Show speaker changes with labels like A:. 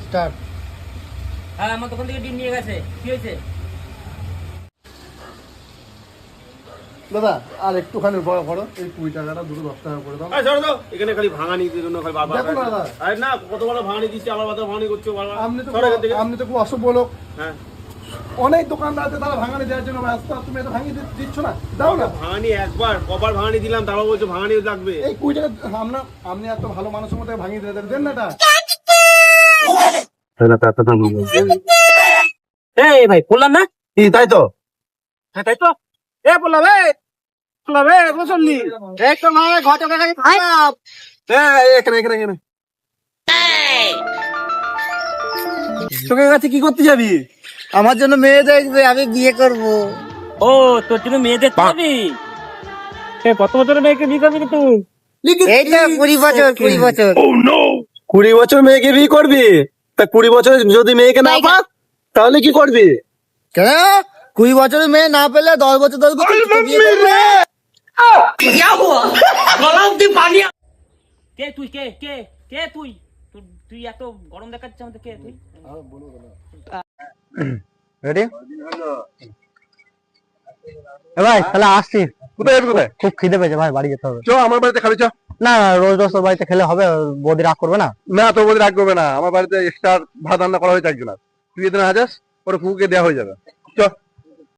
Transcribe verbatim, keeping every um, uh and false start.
A: Start.
B: হ্যাঁ আমার দোকান থেকে ডিম নিয়ে গেছে, কি হয়েছে?
C: দাদা আর একটুখানি বড় করো, এই কুড়ি টাকাটা দুটো দশ টাকা করে দাও।
D: ছাড়ো দাও, এখানে খালি ভাঙানি দিয়ে জন্য খালি বারবার।
C: দেখো না দাদা,
D: আরে না, কত বড় ভাঙানি দিচ্ছি, আবার বারবার ভাঙানি করছো বারবার।
C: আপনি তো
D: সরো এখান থেকে।
C: আপনি তো খুব অসভ্য লোক।
D: হ্যাঁ,
C: অনেক দোকানদার আছে তারা ভাঙানি দেওয়ার জন্য ব্যস্ত, তুমি এটা ভাঙিয়ে দি- দিচ্ছ না, দাও না।
D: ভাঙানি একবার কবার ভাঙানি দিলাম, তারপর বলছো ভাঙানি লাগবে।
C: এই কুড়ি টাকা আমরা, আপনি এত ভালো মানুষের মধ্যে ভাঙিয়ে দিয়ে দেন না এটা।
B: এই ভাই বললাম না?
D: কি তাই তো?
B: হ্যাঁ তাই তো।
D: এ বললাম, এ বললাম, এ বসলি একটু না ঘর থেকে খারাপ। হ্যাঁ, এখানে এখানে এখানে তোকে কাছে কি করতে যাবি?
A: আমার জন্য মেয়ে দেখবে, আমি বিয়ে করব।
B: ও তোর জন্য মেয়ে দেখতে যাবি? এ কত বছরের মেয়েকে বিয়ে করবি তুই?
A: এই তো কুড়ি বছর, কুড়ি বছর।
D: কুড়ি বছর মেয়েকে বিয়ে করবি? তা কুড়ি বছর যদি মেয়েকে না পাস তাহলে কি করবি?
A: কেন কুড়ি বছরের মেয়ে না পেলে দশ বছর দশ বছর বিয়ে করবে?
B: কে তুই, কে কে কে তুই? তুই- তুই এত গরম দেখাচ্ছিস আমাদের, কে তুই?
A: রেডি? এ ভাই তাহলে আসছি।
C: কোথায় যাবি কোথায়?
A: খুব খিদে পেয়েছে ভাই, বাড়ি যেতে হবে।
C: চ আমার বাড়িতে খাবি, চ।
A: না না, রোজ রোজ তোর বাড়িতে খেলে হবে? বৌদি রাগ করবে না?
C: না তোর বলে রাখবে না, আমার বাড়িতে এক্সট্রা ভাত রান্না করা হয়েছে একজনের, তুই এদিন আজাস, পরে ফুকে দেওয়া হয়ে যাবে। চ।